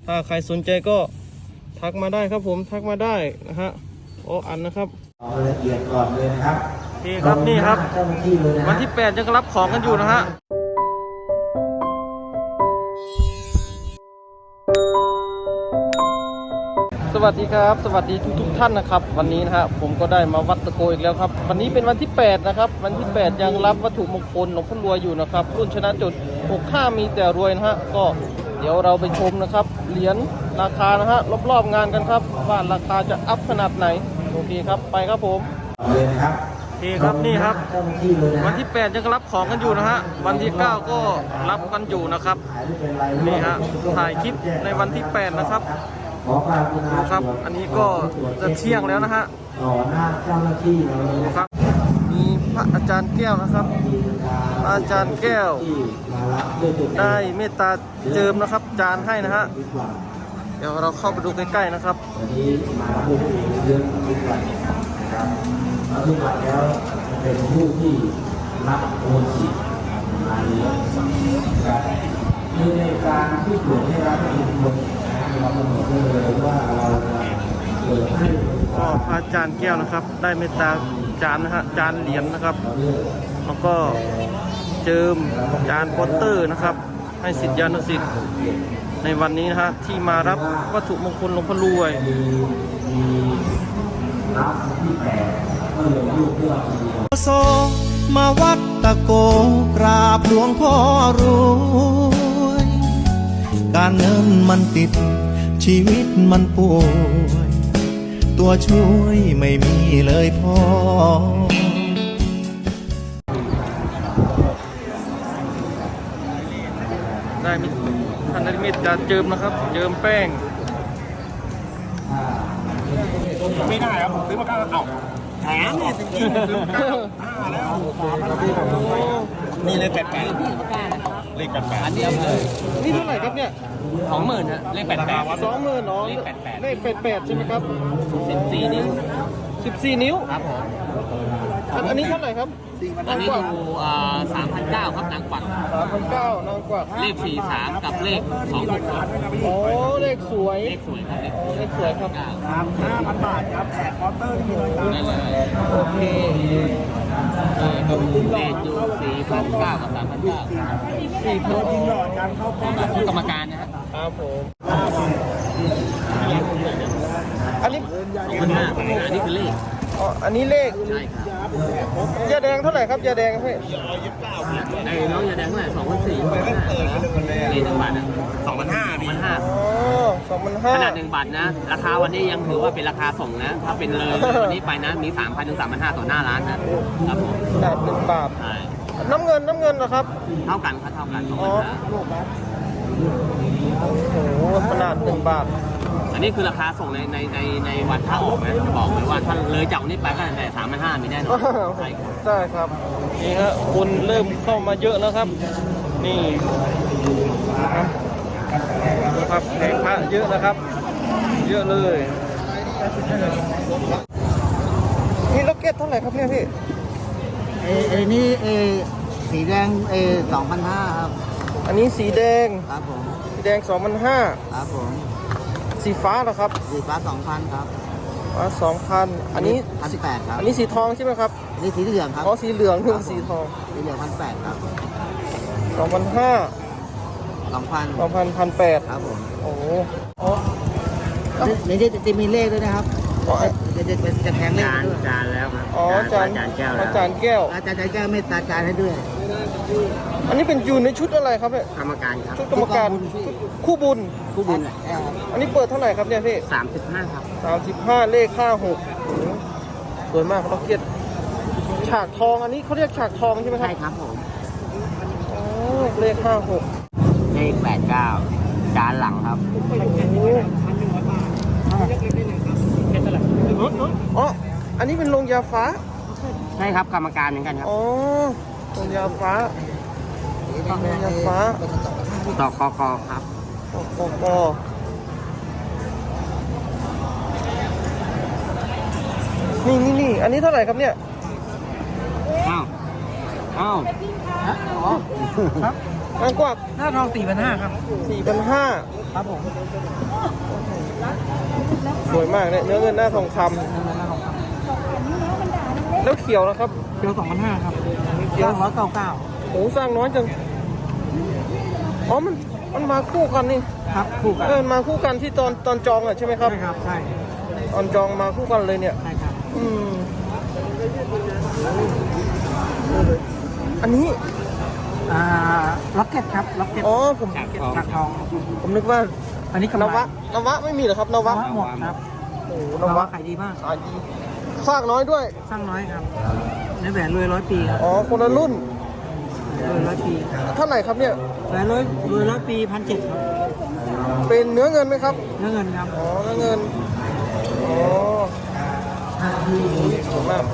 ถ้าใครสนใจก็ทักมาได้ครับผมทักมาได้นะฮะโอ้อันนะครับเอาละเอียดก่อนเลยนะครับโอเคครับนี่ครับวันที่8ยังรับของกันอยู่นะฮะสวัสดีครับสวัสดีทุกท่านนะครับวันนี้นะฮะผมก็ได้มาวัดตะโกอีกแล้วครับวันนี้เป็นวันที่8นะครับวันที่8ยังรับวัตถุมงคลหลวงพ่อรวยอยู่นะครับรุ่นชนะจุด65มีแต่รวยนะฮะก็เดี๋ยวเราไปชมนะครับเหรียญราคานะฮะรอบๆงานกันครับว่าราคาจะอัพขนาดไหนโอเคครับไปครับผมเลยนะครับโอเคครับนี่ครับวันที่8ยังรับของกันอยู่นะฮะวันที่9ก็รับกันอยู่นะครับนี่ฮะถ่ายคลิปในวันที่8นะครับครับอันนี้ก็จะเที่ยงแล้วนะฮะต่อหน้าเจ้าหน้าที่เลยครับมีพระอาจารย์แก้วนะครับอาจารย์แก้วได้เมตตาเจิมนะครับจานให้นะฮะเดี๋ยวเราเข้าไปดูใกล้ๆนะครับวันนี้มาด้วยเยอะทุกวันนะครับทุกวันแล้วเป็นผู้ที่รับโอนสิทธิ์มาเรียนนะครับคือในการที่ตรวจให้รับเงินคนเรากำหนดเลยว่าเราเปิดให้ก็พระอาจารย์แก้วนะครับได้เมตตาจานนะฮะจานเหรียญนะครับแล้วก็เจิมจานโปสเตอร์นะครับให้ศิษยานุศิษย์ในวันนี้นะฮะที่มารับวัตถุมงคลหลวงพ่อรวยโซมาวัดตะโกกราบหลวงพ่อรวยการเงินมันติดชีวิตมันป่วยตัวช่วยไม่มีเลยพ่อได้มีท่านได้มีการเจิมนะครับเจิมแป้งไม่ได้ครับผมซื้อมา9เอาแถมนี่จริงๆซื้อมา9แล้วนี่เลข88เลข88อันนี้เลยนี่เท่าไหร่ครับเนี่ย 20,000ฮะเลข88 20,000น้องเลข88ใช่ไหมครับ 14 นิ้ว 14 นิ้วครับผมอันนี้เท่าไหร่ครับอันนี้อยู่3,900ครับนางกวัก 3,900นางกวักเลข43กับเลข266 โอ้เลขสวยครับเลขสวยครับ 5,000 บาทครับแถมมอเตอร์ที่เลยครับนั่นเลยโอเคเลขอยู่4,900กับ3,900 4,000 ยิงหลอดการเข้ากรรมการนะครับผมอันนี้อันนี้คือเลขอ๋ออันนี้เลขใช่ครับยาแดงเท่าไหร่ครับยาแดงพี่ไอ้น้องยาแดงเท่าไหร่2,400นี่1 บาทนะ2,500 อ๋อ2,500 ขนาด1 บาทนะราคาวันนี้ยังถือว่าเป็นราคาส่งนะถ้าเป็นเลยวันนี้ไปนะมี 3,000 ถึง 3,500 ต่อหน้าร้านนะครับผมขนาด1 บาทใช่น้ำเงินเหรอครับเท่ากันครับเท่ากันอ๋อโอ้โหขนาด1 บาทอันนี้คือราคาส่งในวันถ้าออกนะบอกเลยว่าถ้าเลยจากนี้ไปก็แต่3,500มีแน่นอนใช่ครับนี่ฮะคนเริ่มเข้ามาเยอะแล้วครับนี่นะครับแผงพระเยอะนะครับเยอะเลยนี่ล็อกเก็ตเท่าไหร่ครับเนี่ยพี่นี่สีแดง2,500ครับอันนี้สีแดงครับผมสีแดง2,500 ครับผมสีฟ้าเหรอครับสีฟ้า 2,000 ครับฟ้า 2,000อันนี้ 1,800 ครับอันนี้สีทองใช่ไหมครับอันนี้สีเหลืองครับอ๋อสีเหลืองนี่สีทองสีเหลือง 1,800 ครับ 2,500 1,800 ครับผมโอ้โหนี่จะมีเลขด้วยนะครับจะแทงเลขจานแล้วครับอ๋อจานแก้วอาจารย์แก้วเมตตาจานให้ด้วยอันนี้เป็นอยู่ในชุดอะไรครับเนี่ยกรรมการครับชุดกรรมการคู่บุญอันนี้เปิดเท่าไหร่ครับเนี่ยพี่ 35ครับ 35เลข56สวยมากล็อกเก็ตฉากทองอันนี้เขาเรียกฉากทองใช่ไหมครับใช่ครับผมอ๋อเลข56 เลข89จานหลังครับอ๋ออันนี้เป็นโรงยาฟ้าใช่ครับกรรมการเหมือนกันครับอ๋อโรงยาฟ้าต่อกกครับกนี่อันนี้เท่าไหร่ครับเนี่ยอ้าวครับนางกวักหน้าทอง4,500ครับ 4,500 ครับผมสวยมากเนี่ยเนื้อเงินหน้าทองคำหน้าทองคแล้วเขียวนะครับำเกียว2,500ครับเกี๊ยว 299 โอ้สร้างน้อยจังอ๋อมันมาคู่กันนี่ครับคู่กันมาคู่กันที่ตอนจองอ่ะใช่ไหมครับใช่ครับใช่ตอนจองมาคู่กันเลยเนี่ยใช่ครับอืมอันนี้ล็อกเก็ตครับล็อกเก็ตอ๋อผมฉากทองผมนึกว่าอันนี้กำนไรวะไม่มีเหรอครับนวะหมดครับโอ้โหนนวะวะขายดีมากขายดีสร้างน้อยด้วยสร้างน้อยครับในแหวนรวย100 ปีครับอ๋อคนละรุ่นรวย100 ปีเท่าไหร่ครับเนี่ยแหวนรวย100 ปี1,700ครับเป็นเนื้อเงินไหมครับเนื้อเงินครับอ๋อเนื้อเงินอ๋อสวยมาก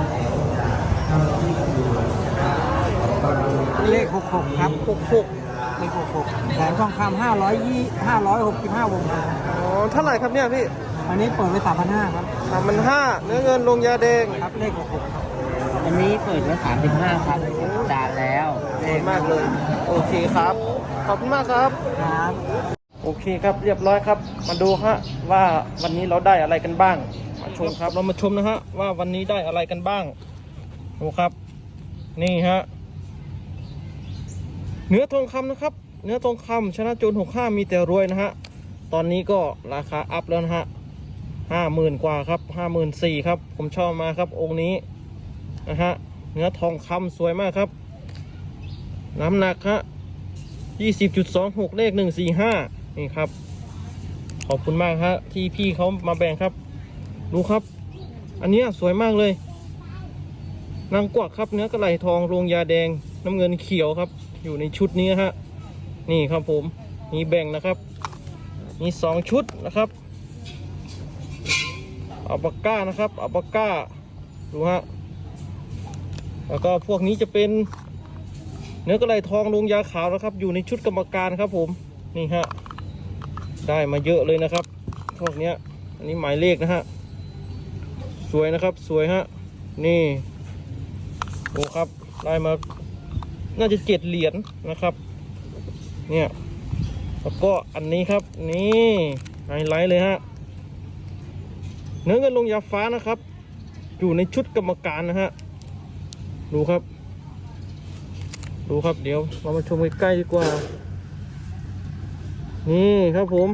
เลข66ครับ 66 เลข66แหวนทองคำ565 วงครับอ๋อเท่าไหร่ครับเนี่ยพี่อันนี้เปิดไว้3,500ครับ 3,500เนื้อเงินลงยาแดงครับเลข66ครับอันนี้เปิดไว้35ครับจานแล้วสวยมากเลย โอเคครับ ขอบคุณมากครับครับโอเคครับเรียบร้อยครับ มาดูฮะว่าวันนี้เราได้อะไรกันบ้าง มาชมครับเรามาชมนะฮะว่าวันนี้ได้อะไรกันบ้างดูครับ นี่ฮะเนื้อทองคำนะครับ เนื้อทองคำชนะโจร65มีแต่รวยนะฮะตอนนี้ก็ราคาอัพแล้วนะฮะ50,000 กว่าครับ54,000ครับผมชอบมาครับองค์นี้นะฮะเนื้อทองคำสวยมากครับ น้ำหนักฮะ20.26 เลข145นี่ครับขอบคุณมากฮะที่พี่เขามาแบ่งครับดูครับ อันเนี้ยสวยมากเลยนางกวักครับเนื้อกระไหลทองโรงยาแดงน้ำเงินเขียวครับอยู่ในชุดนี้ฮะนี่ครับผมมีแบ่งนะครับมี2ชุดนะครับอัลปาก้านะครับอัลปาก้าดูฮะแล้วก็พวกนี้จะเป็นเนื้อกระไหลทองลงยาขาวนะครับอยู่ในชุดกรรมการครับผมนี่ฮะได้มาเยอะเลยนะครับพวกเนี้ยอันนี้หมายเลขนะฮะสวยนะครับสวยฮะนี่โอ้ครับได้มาน่าจะ7 เหรียญนะครับเนี่ยแล้วก็อันนี้ครับนี่ไฮไลท์เลยฮะเนื้อเงินลงยาฟ้านะครับอยู่ในชุดกรรมการนะฮะดูครับดูครับเดี๋ยวเรามาชมใกล้ๆดีกว่านี่ครับผม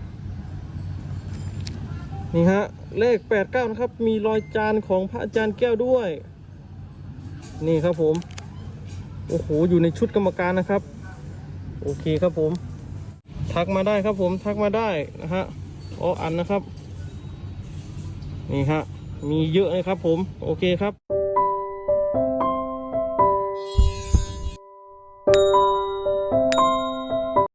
นี่ฮะเลข89นะครับมีรอยจานของพระอาจารย์แก้วด้วยนี่ครับผมโอ้โหอยู่ในชุดกรรมการนะครับโอเคครับผมทักมาได้ครับผมทักมาได้นะฮะอันนะครับนี่ฮะมีเยอะเลยครับผมโอเคครับ